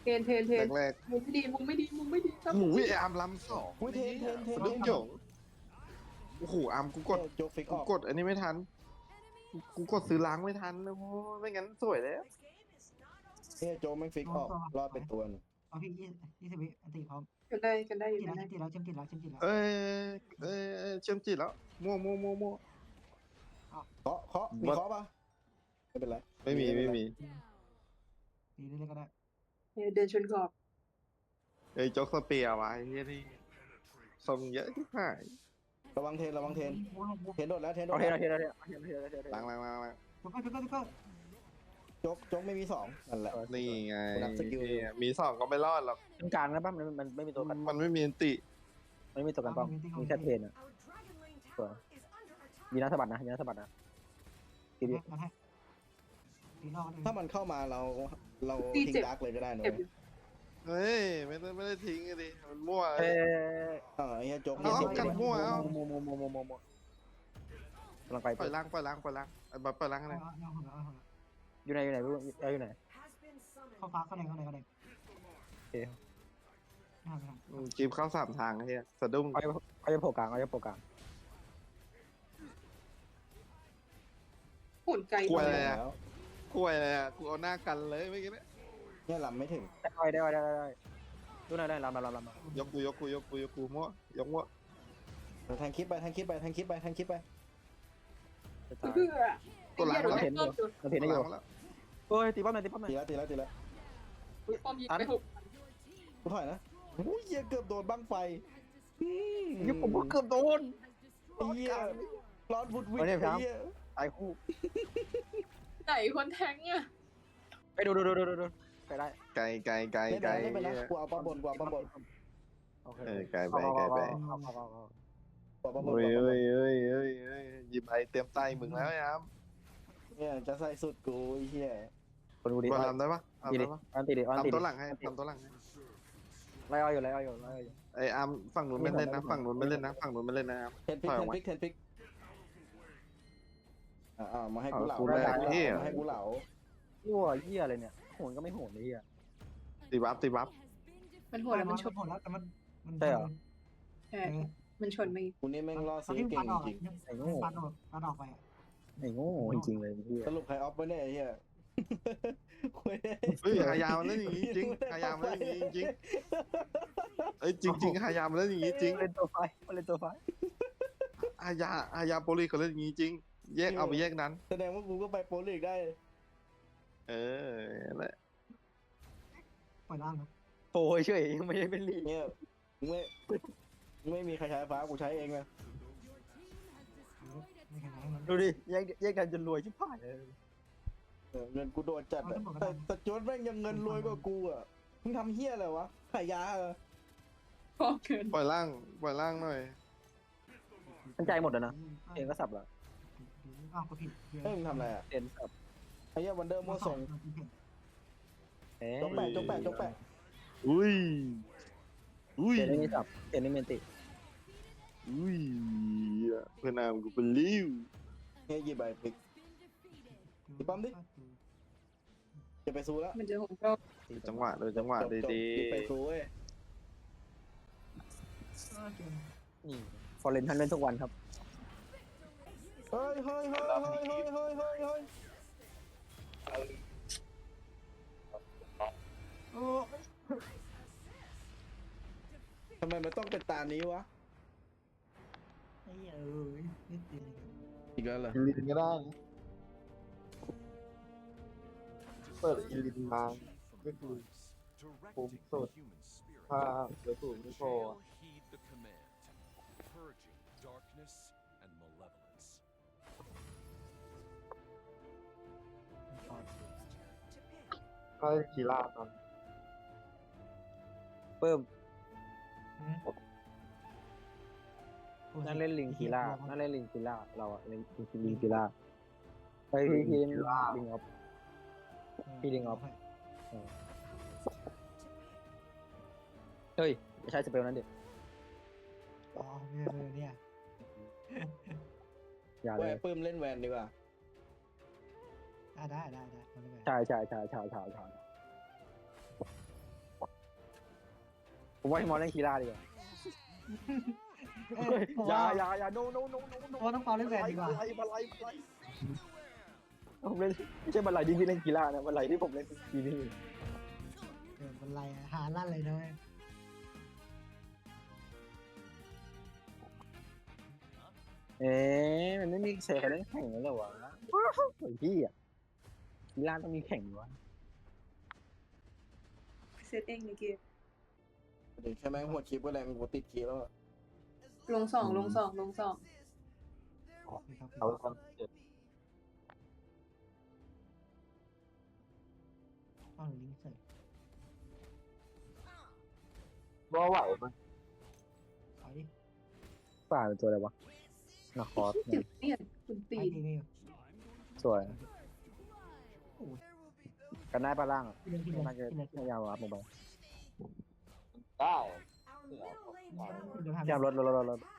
Speaker 5: เทนเทนเทน
Speaker 1: แรก
Speaker 5: มุมไม่ดีมุมไม่ดีมุมไม่ดีครับ
Speaker 1: ๆหมูไออาร์มลำสอง
Speaker 4: อุ้ยเทนเทนเทน
Speaker 1: สะดุ้งหยงโอ้โหอาร์มกูกด
Speaker 4: โจกฟิกอ
Speaker 1: กู
Speaker 4: อก
Speaker 1: กดอันนี้ไม่ทันกูกูกดซื้อล้างไม่ทันนะโอ้ไม่งั้นสวยแล้ว
Speaker 4: เนี่ยโจกแม่งฟิกออกรอดเป็นตัวหนึง
Speaker 3: เอาพี่ยี่ยี่สิบวิอันตีพร้อม
Speaker 5: กันได้กันได้อยู่
Speaker 3: ติด
Speaker 5: กัน
Speaker 3: แล้ว
Speaker 5: ได้
Speaker 3: ติดแล้วเชื่อมติดแล้วเชื่อมติดแล้ว
Speaker 1: เอ้ยเอ้ยเอ้ยเชื่อมจิตแล้วมั่วมั่วมั่วมั่ว
Speaker 4: เคาะเคาะมีเคาะปะไม่เป็นไร
Speaker 1: ไม่มีไม่มี
Speaker 3: ตีเรื่อยๆก็ได้
Speaker 5: เดินชนขอบ
Speaker 1: เอ้ยโจ๊กสเปียร์วะไอ้เฮียนี่ทรงเยอะที่หาย
Speaker 4: ระวังเทนระวังเทนเทนโดดแล้วเทนโด
Speaker 2: เอา
Speaker 4: ด
Speaker 2: เทน
Speaker 4: แล้ว
Speaker 2: เอาเทนเอาเทนเอาเทนเอาเทนเอาเทน
Speaker 1: ล้างล้างล้างล้าง
Speaker 3: ทุกคนทุกคนทุกคน
Speaker 4: โจกโจกไม่มีสองนั่นแหละ
Speaker 1: นี่ไง
Speaker 4: กูนับสกิลอยู่
Speaker 1: เนี่ยมีสองก็ไม่รอดหรอก
Speaker 2: ตรงกลางนะป่ะมันมันไม่มีตัวกัน
Speaker 1: มันไม่มีอันติ
Speaker 2: ไม่มีตัวกันป้อมมีแค่เทนอ่ะสวยยีนัสบัดนะยีนัสบัดนะทีเดียว
Speaker 3: มันให้ตีนอกเลย
Speaker 4: ถ้ามันเข้ามาเราเราทิ้งดาร์กเลยก็ได้นะ
Speaker 5: เจ็บอยู่
Speaker 1: เฮ้ยไม่ได้ไม่ได้ทิ้งเลยดิมันมั่ว
Speaker 2: เอ้ย
Speaker 4: อ่าไอ้เหี้ยโจก
Speaker 1: เอาเอากันมั่วเอา
Speaker 2: มัวมัวมัวมัวมัวมัวกำลังไป
Speaker 1: ปล่อยล้างปล่อยล้างปล่อยล้างไอ้บัฟปล่อยล้างอะไร
Speaker 3: เอาเอาเอาเอาเอา
Speaker 2: อยู่ไหนอยู่ไหนเอาอยู่ไหน
Speaker 3: เข้าฟ้าเข้าไหนเข้าไหนเข้าไหน
Speaker 2: โอเค
Speaker 3: ไม่ทำไม่ทำ
Speaker 1: อืมจีบเข้าสามทางไอ้เฮียสะดุ้ง
Speaker 2: เอาจะเอาจะโผล่กลางเอาจะโผล่กลาง
Speaker 5: หุ่นไกล
Speaker 1: กลัวอะไร
Speaker 4: แล้
Speaker 1: อ่ะ
Speaker 4: ว
Speaker 1: กลัวอะไรอ่ะกูเอาหน้ากันเลยเมื่อกี้เนี่ย
Speaker 4: เนี่ยลำไม่ถึง
Speaker 2: ได้ได้ได้ได้ได้ดูหน่อยได้ลำลำลำลำ
Speaker 1: ยกกูยกกูยกกูยกกูมั่วยกมั่ว
Speaker 4: แทงคลิปไปแทงคลิปไปแทงคลิปไปแทงคลิปไป
Speaker 2: จะตาย
Speaker 5: เพื่อ
Speaker 1: ตัวล้าง
Speaker 2: เรา
Speaker 1: แล้ว
Speaker 2: เห็นอยู่เราเห็นอยู่
Speaker 1: ล้างแล้ว
Speaker 2: โอ้ยตีป้อมหน่อยตีป้อมหน่อย
Speaker 4: ตีแล้วตีแล้วตีแล้ว
Speaker 5: ป้อมยิงไปหก
Speaker 4: กูถอยนะอุ้ยเหี้ยเกือบโดนบั้งไฟอืม
Speaker 2: ยี่ผมก็เกือบโดน
Speaker 4: ไอ้เหี้ยร้อนฟุดวิด
Speaker 2: เอาเนี่ยครับ
Speaker 4: ไอ้เหี้ย
Speaker 2: ตายคู่
Speaker 5: ไหนคนแทงอ่ะ
Speaker 2: ไปดูดูดูดูดูไปได้
Speaker 1: ไกลไกลไกล
Speaker 4: ไม่
Speaker 1: ไกล
Speaker 4: เป็นไรไม่เป็นไรกูเอาปั๊มบนกูเอาปั๊มบน
Speaker 2: โอเค
Speaker 1: เออไกลไปไกลไป
Speaker 2: เอาเอาเอาเอา
Speaker 4: กูเอาปั๊มบน
Speaker 1: เฮ้ยเฮ้ยเฮ้ยเฮ้ยเฮ้ยหยิบไอเต็มไตมึงแล้วยาม
Speaker 4: เนี่ยจะใส่สุดกูไอ้เหี้ย
Speaker 2: คนดูดี
Speaker 1: บอลทำได้ปะ
Speaker 2: ตี
Speaker 1: ทำ
Speaker 2: ดิ
Speaker 1: ได้ปะ
Speaker 2: อันตีดิอันตี
Speaker 1: ทำ
Speaker 2: ดิ
Speaker 1: ตัวหลังให้ทำตัวหลังให้
Speaker 2: ไล่เอาอยู่ไล่เอาอยู่ไล่เอาอยู่
Speaker 1: ไออาร์มฝั่งนู้นไม่เล่นนะฝั่งนู้นไม่เล่นนะฝั่งนู้นไม่เล่นนะ
Speaker 4: เทนพิกเทนพิกเทนพิกอ่ามาให้กูเหลา
Speaker 1: เอากูแรกเหี้ย
Speaker 4: มาให้กูเหลา
Speaker 2: ยั่วเหี้ยอะไรเนี่ยโหนก็ไม่โหนเลยเหี้ย
Speaker 1: ตีบัฟตีบัฟ
Speaker 5: มันโหดแล้วมันชน
Speaker 3: หมดแล้วแต่มันมัน
Speaker 2: ใช่เหรอ
Speaker 5: ใช่มันชนไม่
Speaker 4: กูนี่แม่งรอ
Speaker 3: ตอน
Speaker 4: ซื้อ
Speaker 3: ที่
Speaker 4: เก่
Speaker 3: ปั
Speaker 4: ง
Speaker 3: นออก
Speaker 4: จริง
Speaker 3: ปันออกปันออกไปอ่ะ
Speaker 2: ไอ้โง่จริงๆเลยเหี้ย
Speaker 4: สรุปใครออฟไปเนี่ยไอ้เหี้ยคุยได้
Speaker 1: เฮ้ยหายามันเล่นอย่างงี้จริงหายามันเล่นอย่างงี้จริงเอ้ยจริงจริงหายามันเล่นอย่างงี้จริง
Speaker 2: เล่นตัวไฟเล่นตัวไฟ
Speaker 1: หายาหายาโปลีเขาเล่นอย่างงี้จริง แยกเอาไปแยกนั้น
Speaker 4: แสดงว่ากูก็ไปโปรลีกได้
Speaker 1: เออนั่นแหละ
Speaker 3: ปล่อยล่างนะ
Speaker 2: โอ้ยเฉยยังไม่ได้เป็นลีก
Speaker 4: เนี่ยมึงไม่มึงไม่มีใครใช้ฟ้ากูใช้เองนะ
Speaker 3: ไม่แข็งแรงนั้น
Speaker 2: ดูดิแยกแยกกันจนรวยชิบหายเลย
Speaker 4: เออเงินกูโดนจัดอะแต่แต่โจนแม่งยังเงินรวยกว่ากูอ่ะมึงทำเฮี้ยอะไรวะขายยาเหรอ
Speaker 5: พอเกิน
Speaker 1: ปล่อยล่างปล่อยล่างหน่อย
Speaker 2: มันใจหมดแล้วนะเองก็สับแล้ว
Speaker 3: อ้าวก็ผิด
Speaker 4: เฮ้ยมึงทำอะไรอ่ะ
Speaker 2: เอ็นสับ
Speaker 4: ไอ้เหี้ยวันเดอร์มั่วส่ง
Speaker 2: เอ๊ะ
Speaker 4: จกแปะจกแปะจกแปะ
Speaker 1: อุ้ยอุ้ย
Speaker 2: เอ็นไม่มีสับเอ็นไม่มีติ
Speaker 1: อุ้ยเพื่อนอามกูเป็นลิ้ว
Speaker 4: เฮียหยิบใบพลิกจะไปซูแล้ว
Speaker 5: มันจะหงก็
Speaker 1: จังหวะเลยจังหวะ
Speaker 4: จบจบ
Speaker 1: ดี
Speaker 4: หยิบไปซูเว้ย
Speaker 2: นี่ฟอร์เรนทันเล่นทุกวันครับ
Speaker 4: เฮ้ยเฮ้ยเฮ้ยเฮ้ยเฮ้ยเฮ้ยเฮ้ยเฮ้ย
Speaker 3: โอ้
Speaker 4: ทำไมมันต้องเป็นตานี้วะ
Speaker 3: ไอ้เอ้ยนิดเดียว
Speaker 4: อีกแล้วเหรอ
Speaker 1: ๆอิลินก็ได้นะเปิดอิลินมาก็คือผมสดภาพเสือสูงไม่พอ
Speaker 6: Heed the command, purging darkness and malevolence.
Speaker 1: ก็กีฬาตอน
Speaker 2: เพิ่มนั่นเล่นลิงคีล่านั่นเล่นลิงคีล่าเราอะเล่นลิงคีล่าไปพี่พี่ลิงออฟ พี่ลิงออฟ เฮ้ยไม่ใช่สเปลนั้นดิ
Speaker 3: อ๋อเนี่ยเนี่ย
Speaker 2: อย่า
Speaker 4: แหว
Speaker 2: เลย
Speaker 4: นปื้มเล่นแวนดีกว่า
Speaker 3: ได้ได้ได้ได้ไม่เป็นไร
Speaker 2: ใช่ใช่ใช่ใช่ใช่ใช่ผมว่าให้มอเล่นคีราดีกว่า
Speaker 3: เอ้ยผม
Speaker 2: อย่า
Speaker 3: ว่า
Speaker 2: อย่าอย่าโนโนโนโนโน
Speaker 3: ผมว่าต้องเปาเล่นแบนดีกว่า
Speaker 2: บันไลบันไลบันไลผมเล่นไม่ใช่บันไลที่พี่เล่นกีฬานะบันไลที่ผมเล่นทีนี่
Speaker 3: เออเป็นไรอะหาลั่นเลยนะเว้ย
Speaker 2: เอ๊ะมันไม่มีเซใครเล่นแข่งแล้วเหรอวะไอ้พี่อ่ะกีฬาต้องมีแข่งอยู่วะ
Speaker 5: เซตเองในเกม
Speaker 4: เดี๋ยวแค่แม่งหัวคลิปก็แรงกูติดคีย์แล้วอะ
Speaker 5: ลงสองลงสองลงสอง
Speaker 3: นี่ครับ
Speaker 2: เขาต้อง
Speaker 3: ต้องลิงก์เสร็จ
Speaker 2: ว่าไหวมั้ย
Speaker 3: ไปดิ
Speaker 2: ป่าเป็นตัวอะไรวะนาคอส
Speaker 5: จุดเนี่ยคุณ
Speaker 3: ไป
Speaker 5: ปีด
Speaker 3: ดีไม่อยู่
Speaker 2: สวยกันได้ปลาล่างอ่ะ
Speaker 3: พี่เล่นพี่เล่น
Speaker 2: น่าจะ
Speaker 3: พี่เล่น
Speaker 2: พยายามรับลงไป
Speaker 7: ได้
Speaker 3: เดี๋ยว
Speaker 2: พยายามลดลดลดลดลด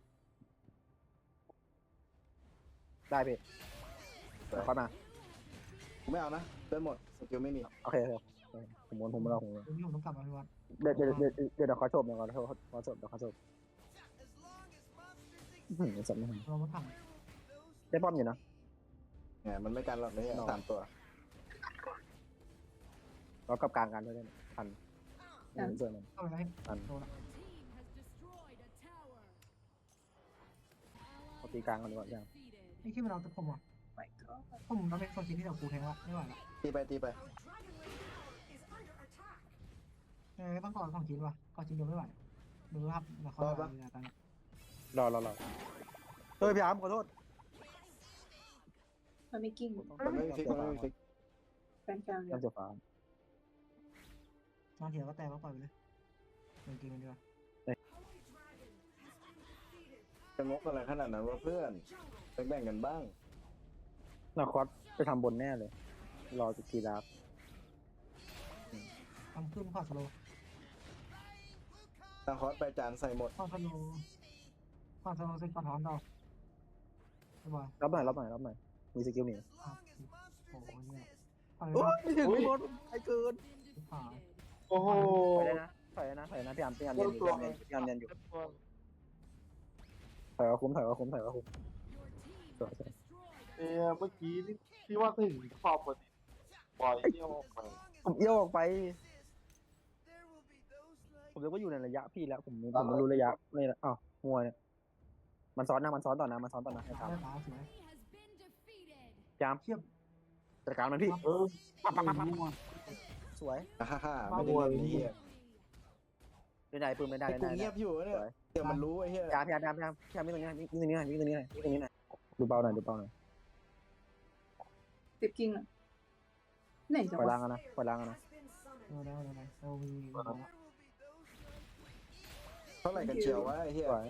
Speaker 2: ได้พี่เดี๋ยวค่อยมา
Speaker 4: กูไม่เอานะเดินหมดสกิลไม่มี
Speaker 2: โอเคโอเคโอเคผมวนผมไม่เอาผมวน
Speaker 3: เดี๋ยวนี้ผมต้องกลับมาพี่วัด
Speaker 2: เดี๋ยวเดี๋ยวเดี๋ยวเดี๋ยวเดี๋ยวขอจบเดี๋ยวขอจบขอจบเดี๋ยวขอจบหืมสับไม่ทัน
Speaker 3: เรามาท
Speaker 2: ได้ป้อมอยู่นะ
Speaker 4: เนี่ยมันไม่กันหรอกเลยสามตัว
Speaker 2: เรากับกลางกันด้วยได้ไหมทันเจอมัน
Speaker 3: ำเข้าไปแล้วให้
Speaker 2: ทัน
Speaker 3: โดนละ
Speaker 2: เอาตีกลางกันดีกว่าอย่าง
Speaker 3: นี่คิดมันเอาแต่ผมอ่ะ
Speaker 5: ไปก็
Speaker 3: ผมต้องเป็นโซนจีนที่เรากูแทงละไม่ไหวละ
Speaker 4: ตีไปตีไป
Speaker 3: เออต้องก่อนของจีนว่ะก่อนจีนเดี๋ยวไม่ไหวดูครับเดี๋ยวเขาจะมีอะไรกัน
Speaker 2: รอรอรอเฮ้ยพี่อาร์มขอโทษ
Speaker 5: มันไม่กิ้ง
Speaker 4: มันไม่มีฟิกมันไม่มีฟิก
Speaker 5: แฟนกลางเลย
Speaker 2: น้ำเสียฟ้า
Speaker 3: นอนเถียวก็แตกก็ปล่อยไปเลยเดินเกมกันดีกว่า
Speaker 4: จะงกอะไรขนาดนั้นวะเพื่อนแบ่งๆกันบ้าง
Speaker 2: นาคอสไปทำบนแน่เลย รอจุดทีรับ
Speaker 3: ทำขึ้นขอสโล
Speaker 4: ทางคอสไปจานใส่หมด
Speaker 3: ขอสโลขอสโลเซ็นขอถอนดอกสบาย
Speaker 2: รับหน่อยรับหน่อยรับหน่อยมีสกิลหนี
Speaker 3: อ่ะโอ้โหเนี่ยปล่อย
Speaker 2: โอ้
Speaker 3: ว่าย
Speaker 2: ไม่ถึงพี่บอลไอเกิน
Speaker 3: ผ่า
Speaker 7: โอ้โห
Speaker 2: ถอยได้นะถอยได้นะถอยนะพี่อาร์มพี่อาร์มเรียนอยู่พี่อาร์มเรียนอยู่ถอยว่าคุ้มถอยว่าคุ้มถอยว่าคุ้มสวยสวย
Speaker 7: เออเมื่อกี้นี่ที่ว่าถึงขอบพอดีปล่อยเที่ยวออกไป
Speaker 2: ผมเอี้ยวออกไป ผมเลยว่าอยู่ในระยะพี่แล้ว ผมผมไม่รู้ระยะนี่แหละอ้าวมัวเนี่ยมันซ้อนนะมันซ้อนต่อนะมันซ้อนต่อนะให้ท
Speaker 3: ได้ตาสวย
Speaker 2: ำพี่อาร์มจัดการมันพี่
Speaker 7: เออ
Speaker 2: ปั๊บปั๊บปั๊บปั๊บสวย
Speaker 4: ฮ่าฮ่าไม่ได้เล่นนี้ย
Speaker 2: ได้ได้ปืนไม่ได้
Speaker 4: ไอ้
Speaker 2: ได้
Speaker 4: กู
Speaker 2: ได้
Speaker 4: เงียบอยู่เนี่ยเดี๋ยวมันรู้ไอ้เหี้ย
Speaker 2: พี่อาร์มพี่อาร์มพี่อาร์มพี่อาร์มพี่อาร์มวิ่งตรงนี้หน่อยวิ่งตรงนี้หน่อยวิ่งตรงนี้หน่อยวิ่งตรงนี้หน่อยดูเบาหน่อยดูเบาหน่อย
Speaker 5: ติดกิ้งอ่ะไหนจะ
Speaker 2: ปล่อย
Speaker 5: วะ
Speaker 2: ล่างกันนะปล่อยล่างกันนะ
Speaker 3: เออได้ได้ได้เรามี
Speaker 4: เท่าไหร่กันเชียววะไอ้เหี้ย
Speaker 2: สวย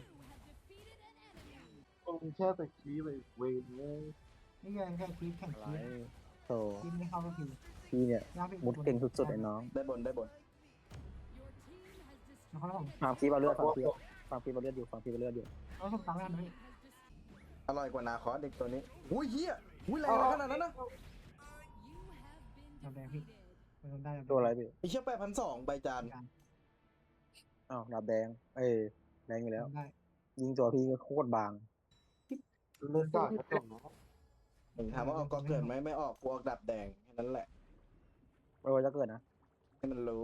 Speaker 7: มึงแค่ตะกี้ไปเวรเลย
Speaker 3: นี่ยังแค่คีบแข่ง
Speaker 2: อะไร
Speaker 3: คีบ
Speaker 2: โธ่
Speaker 3: คีบไม่เข้าก็คือ
Speaker 2: พี่เนี่ยมุดเก่งสุดๆไอ้น้อง
Speaker 4: ได้บนได้บน
Speaker 3: แล้วเขาแล้วผม
Speaker 2: ฟาร์มคีบเอาเลือดฟาร์มคีบฟาร์มคีบเอาเลือดอยู่ฟาร์มคีบเอาเลือดอยู่
Speaker 3: แล้วผมตังค์ไม่ทันเลย
Speaker 4: อร่อยกว่านาคอสเด็กตัวนี้อุ้ยเหี้ยอุ้ยแรงขนาดนั้นนะ
Speaker 3: จำแดงพี่มันได้
Speaker 2: ตัวอะไรพี่
Speaker 4: ไอ้เชี่ยแปดพันสองใบจาน
Speaker 2: อ้าวดาบแดงเอ้ยแดงอยู่แล้ว
Speaker 3: ได้
Speaker 2: ยิงตัวพี่ก็โคตรบาง
Speaker 7: เล่นก่อนก็จบนะ
Speaker 4: ผมถามว่าออกกอเกิดไหมไม่ออกกูออกดับแดงแค่นั้นแหละ
Speaker 2: ไม่ว่าจะเกิดนะ
Speaker 4: ให้มันรู้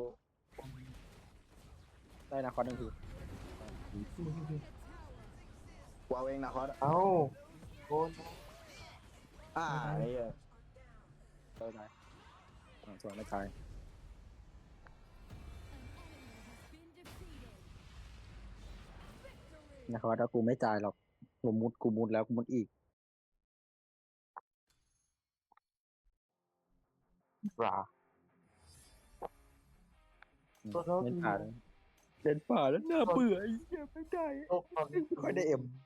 Speaker 2: ได้นะคอร์หนึ่งที
Speaker 3: พี่พี่พี่
Speaker 4: กูเอาเองนาคอส
Speaker 7: เอ้าโดน
Speaker 4: อ่าไอ้เหี้ย
Speaker 2: เติมไปอ่าส่วนไม่ตายนะครับถ้ากูไม่จ่ายหรอกกูมุดกูมุดแล้วกูมุดอีก
Speaker 7: ปลา
Speaker 2: ไม่ผ่านเล่นป่าแล้วน่าเบื่อไอ้เหี้ยไม่ได้
Speaker 7: โลกตอนนี้
Speaker 2: ไม่ค่อยได้เอ็ม